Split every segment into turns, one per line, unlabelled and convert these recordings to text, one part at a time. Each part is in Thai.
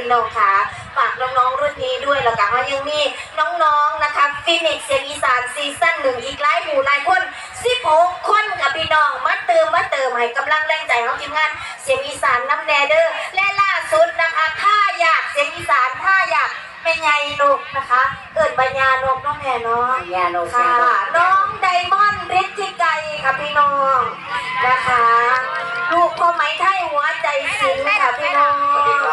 พี่น้องค่ะฝากน้องๆรุ่นนี้ด้วยแล้วก็ยังมีน้องๆนะคะฟินิกซ์เสียงอีสานซีซั่นหนึ่งอีกหลายหมู่หลายคน16 คนกับพี่น้องมาเติมให้กำลังแรงใจของทีมงานเสียงอีสานน้ำแนเดอร์และล่าสุดนะคะถ้าอยากเสียงอีสานถ้าอยากเป็นไงนกนะคะเอิญปัญญานกน้องแม่เนาะญานกค่ะน้องไดมอนด์ฤทธิไกรค่ะพี่น้องนะคะลูกพ่อไหมไทยหัวใจสิงค่ะพี่น้อง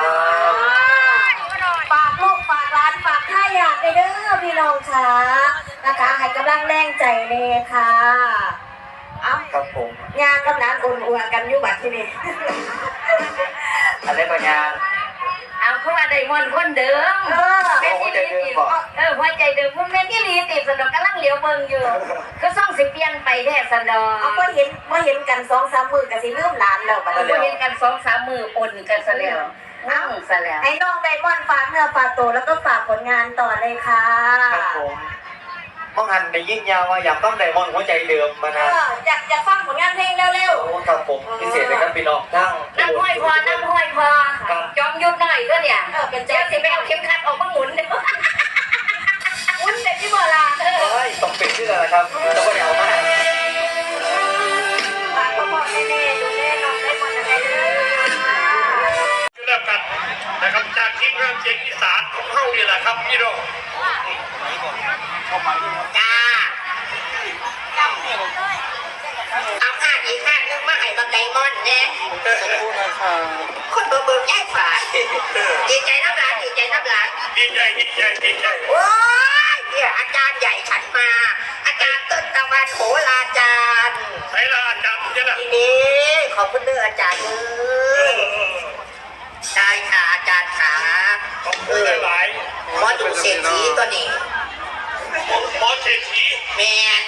ฝากลูกฝากร้านฝากท่าอยากเด้อพี่น้องค่ะนะคะให้กำลังแรงใจเลยค่ะเอ้า
ครับผม
งานกำลังอุ่นอัวกันอยู่บัดที่นี่
อะไรปัญญา
เอาเข้ามาได้มอนคนเดิม
หัวใจเดิมบอก
หัวใจเดิมมันแม่ที่ลีติดสนดกำลังเหลียวเบิ่งอยู่ก็ส่องสิเปลี่ยนไปแท้สนด
เอาก็เห็นกัน2-3 มือกันสิลืมหลานแล้วบัดนี้
เห็นกัน2-3 มือปนกันซะแล้วซะแล้ว
ให้น้องไดมอนด์ฝากเนื้อฝากตัวแล้วก็ฝากผลงานต่อเลยค่ะ
ครับผมมองหันไปยิ่งยาวว่าอยากต้องไดมอนด์หัวใจเดิมมานะ
อยากฟังผลงานเพลงเร็ว
ๆครับผมพิเศษเลยครับพี่น้องทั้ง
น้ำห้อยพอจอมยุบหน่อยก็เนี่ยเป็นเจ้าสิไปเอาเข็มขัดออกมาหมุนเลย
หมุนเสร็จที่โบราณ
ต้องเป็นชื่ออะไรครับแล้วก็เดี๋ยวมา
ฝากพ่อแม่ดูแลน้องไดมอนด์อะไรเลย
เริ่มกันนะครับจากทีมงานเสียงอีสานของเฮานี่แหละครับพี่น้อง
จ้าเอาผ้าอีกผ้านึงมาให้บักไดมอนด์เนี่ยคนเบิ่งแย่ฝ่ายดีใจน้ำหลาน
ดีใจ
โอ้ยเนี่ยอาจารย์ใหญ่ฉันมาอาจารย์ต้นตะวันโหราจารย์
ใช่ละอาจารย์เนี่ยนะ
ทีนี้ขอบคุณเด้ออาจารย์ใช่ค่ะอาจารย์ขา
ขอบคุณหลาย
หมอดูเศรษฐีตัวนี้
หมอเศรษฐี
แมน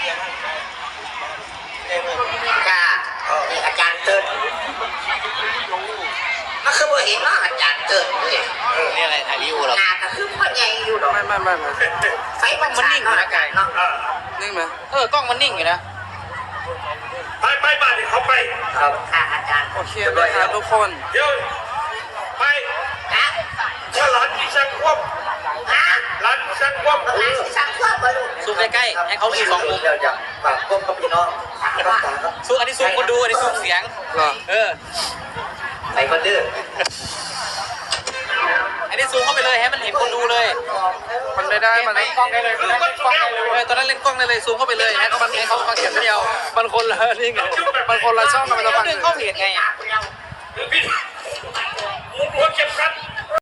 ค่ะนี่อาจารย์เติร์ดมันคือบ่เห็นว่าอาจารย์เติร์ดเลย
นี่อะไรถ่ายวิวหรอ
หน้าก็คือพ่อใหญ่อยู่หรอ
ไม่
ไฟมันนิ่งอยู่นะกันเนาะ
นิ่งไหมกล้องมันนิ่งอยู่นะ
ไปบ้านเขาไป
ครับ
ค่ะอาจารย์
โอเคเลยครับทุกคน
เดี๋ยวไป
นะ
ถ้าหลานที่สักควบหลานสักควบ
สักควบมาลูก
ซูมใกล้ๆให้เขาดู2 มุมเดี๋ยวจะฝากควบกับพี่น้องซูมอันนี้ซูมคนดูอันนี้ซูมเสียงไปคนดื้ออันนี้ซูมเข้าไปเลยให้มันเห็นคนดูเลยมันไม่ได้มันเล่นกล้องได้เลยตอนนั้นเล่นกล้องได้เลยซูมเข้าไปเลยให้เขาฟังเสียงเดียวมันคนละนี่ไงมันคนละช่องมันจะฟัง
ดึงเข้าเพจไงหัวเก็บกัน